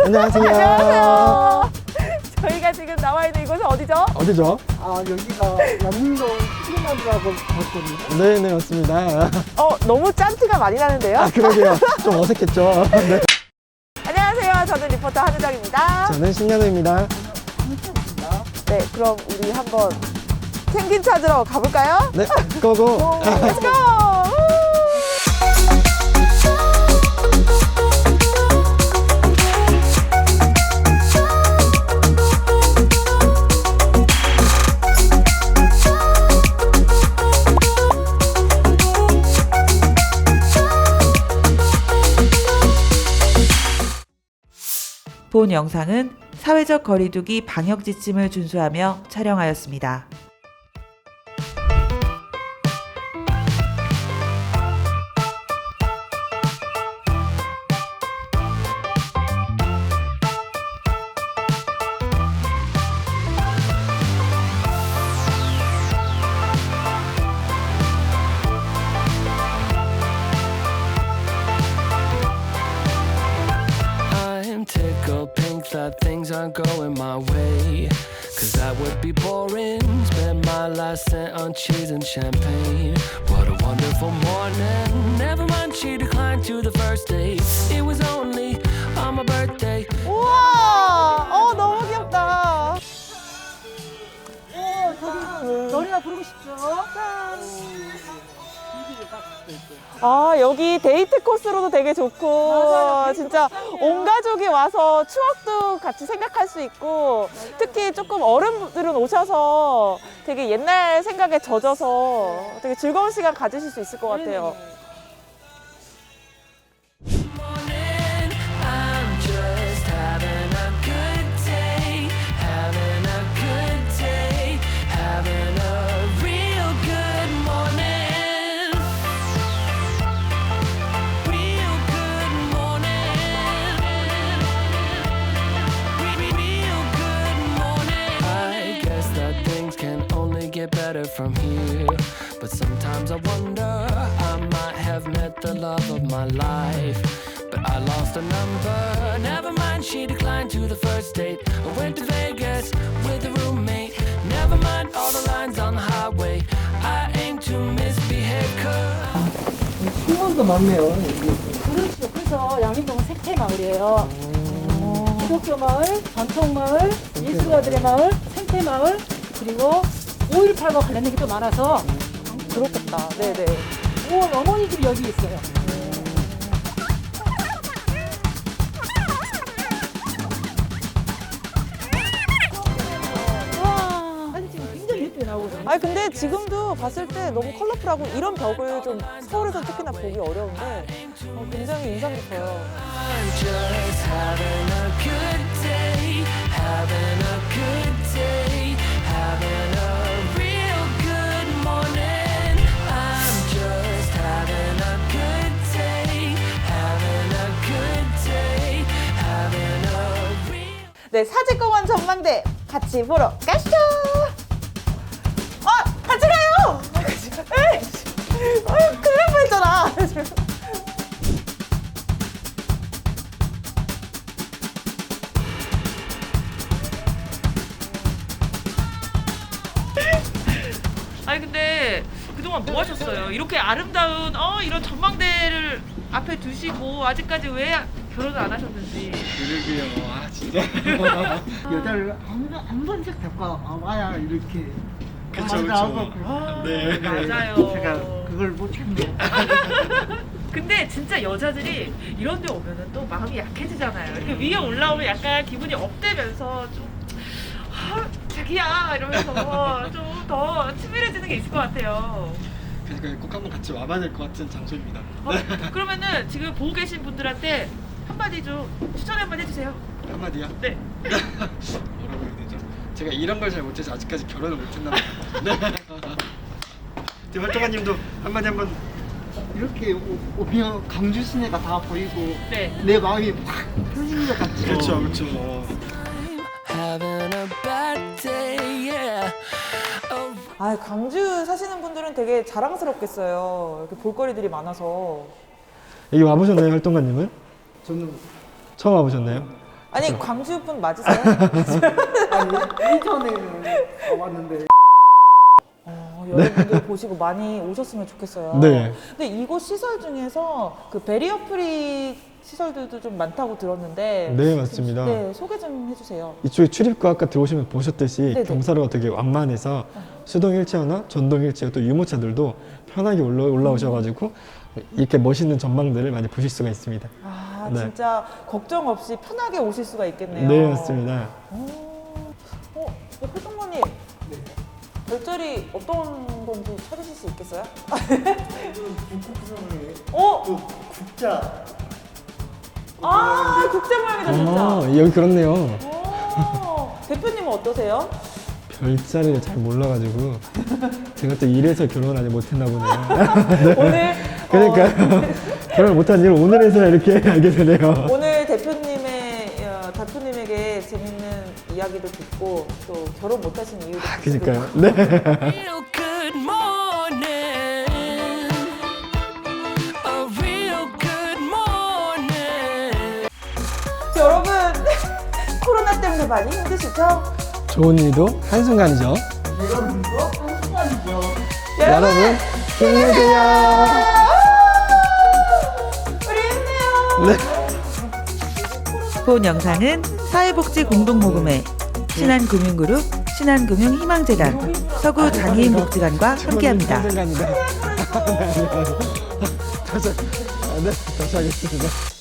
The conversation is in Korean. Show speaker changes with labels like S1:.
S1: 안녕하세요.
S2: 안녕하세요. 저희가 지금 나와 있는 이곳은 어디죠?
S1: 어디죠?
S3: 여기가 양림동 시그널이라고 봤거든요.
S1: 네네, 맞습니다.
S2: 너무 짠티가 많이 나는데요?
S1: 아, 그러게요. 좀 어색했죠. 네.
S2: 안녕하세요. 저는 리포터 한우정입니다.
S1: 저는 신현우입니다.
S2: 네, 그럼 우리 한번 펭귄 찾으러 가볼까요?
S1: 네, 고고.
S2: Let's go!
S4: 본 영상은 사회적 거리두기 방역 지침을 준수하며 촬영하였습니다.
S5: I'm tickled pink that things aren't going my way. Cause that would be boring. Spend my last cent on cheese and champagne. What a wonderful morning. Never mind, she declined to the first date. It was only on my birthday.
S2: 우와! 너무 귀엽다.
S3: 노래가 부르고 싶죠?
S2: 여기 데이트 코스로도 되게 좋고,
S3: 맞아요.
S2: 진짜 온 가족이 와서 추억도 같이 생각할 수 있고, 특히 조금 어른들은 오셔서 되게 옛날 생각에 젖어서 되게 즐거운 시간 가지실 수 있을 것 같아요.
S5: Morning, I'm just having a good day. Having a good day. Having a real good morning. Real good morning. Real good morning. I guess that things can only get better from here. But sometimes I wonder, I might have met the love of my life. But I lost a number. Never mind, she declined to the first date. I went to Vegas with a roommate. Never mind all the lines on the highway. I aim to misbehave.
S3: 수원도 많네요.
S6: 그렇죠. 그래서 양림동은 생태마을이에요. 기독교 마을, 전통 마을, 예술가들의 마을, 생태 마을, 그리고 5.18과 관련된 게 또 많아서
S2: 그렇겠다. 네네.
S6: 어머니 집이 여기 있어요. 사진 찍으면 굉장히 예쁘게 나오거든요.
S2: 아니, 근데 지금도 봤을 때 너무 컬러풀하고 이런 벽을 좀 서울에서 특히나 보기 어려운데 굉장히 인상 깊어요.
S5: I'm just having a good day. Having a good day. Having a real good morning. I'm just having a good day. Having a good day. Having a real.
S2: 네, 사직공원 전망대 같이 보러 가시죠. 같이 가요. 큰일 날 뻔했잖아.
S7: 아니 근데 그동안 뭐 하셨어요? 이렇게 아름다운 이런 전망대를 앞에 두시고 아직까지 왜 결혼을 안 하셨는지.
S3: 그러게요. 진짜. 여자를 한 번씩 데리고 와야 이렇게.
S1: 그쵸. 네.
S7: 맞아요.
S3: 제가 그걸 못했네요.
S7: 근데 진짜 여자들이 이런 데 오면은 또 마음이 약해지잖아요. 이렇게 위에 올라오면 약간 기분이 업되면서 좀 자기야 이러면서 좀 더 친밀해지는 게 있을 것 같아요.
S1: 그러니까 꼭 한번 같이 와봐야 될 것 같은 장소입니다.
S7: 그러면은 지금 보고 계신 분들한테 한마디 좀 추천 한번 해주세요.
S1: 한마디요?
S7: 네.
S1: 뭐라고 해야 되죠? 제가 이런 걸 잘 못해서 아직까지 결혼을 못했나 봐요. 네. 활동가님도 한마디 한번.
S3: 이렇게 오면 강주 시내가 다 보이고
S7: 네.
S3: 내 마음이 확 풀리는 것 같죠.
S1: 그렇죠.
S5: Having a bad day, yeah. Oh.
S2: 광주 사시는 분들은 되게 자랑스럽겠어요. 이렇게 볼거리들이 많아서.
S1: 여기 와보셨나요, 활동가님은?
S3: 저는
S1: 처음 와보셨나요?
S2: 아니 광주 분 맞으세요?
S3: 아니 이전에는 와봤는데
S2: 여러분들 보시고 많이 오셨으면 좋겠어요.
S1: 네.
S2: 근데 이곳 시설 중에서 그 베리어 프리 시설들도 좀 많다고 들었는데
S1: 네, 맞습니다.
S2: 네, 소개 좀 해주세요.
S1: 이쪽에 출입구 아까 들어오시면 보셨듯이
S2: 네네.
S1: 경사로가 되게 완만해서 수동 휠체어나 전동 휠체어 또 유모차들도 편하게 올라오셔가지고 이렇게 멋있는 전망들을 많이 보실 수가 있습니다.
S2: 아
S1: 네.
S2: 진짜 걱정 없이 편하게 오실 수가 있겠네요.
S1: 네, 맞습니다.
S2: 회장님 별자리 어떤 건지 찾으실 수 있겠어요?
S3: 그 국자
S2: 아 국제 모양이다 진짜.
S1: 여기 그렇네요.
S2: 대표님은 어떠세요?
S1: 별자리를 잘 몰라가지고 제가 또 이래서 결혼 아직 못했나 보네요.
S2: 오늘
S1: 그러니까 결혼 못한 이유를 오늘에서야 이렇게 알게 되네요.
S2: 오늘 대표님에게 재밌는 이야기도 듣고 또 결혼 못하신 이유도
S1: 그러니까요. 네.
S5: Real good morning. A real good morning.
S2: 여러분 코로나 때문에 많이 힘드시죠?
S1: 좋은 일도 한순간이죠. 여러분 힘내세요.
S2: 우리 힘내요.
S4: 본 영상은 사회복지공동모금회 신한금융그룹 신한금융희망재단 서구장애인복지관과 함께합니다.
S1: 한순간이다. 다시 하겠습니다.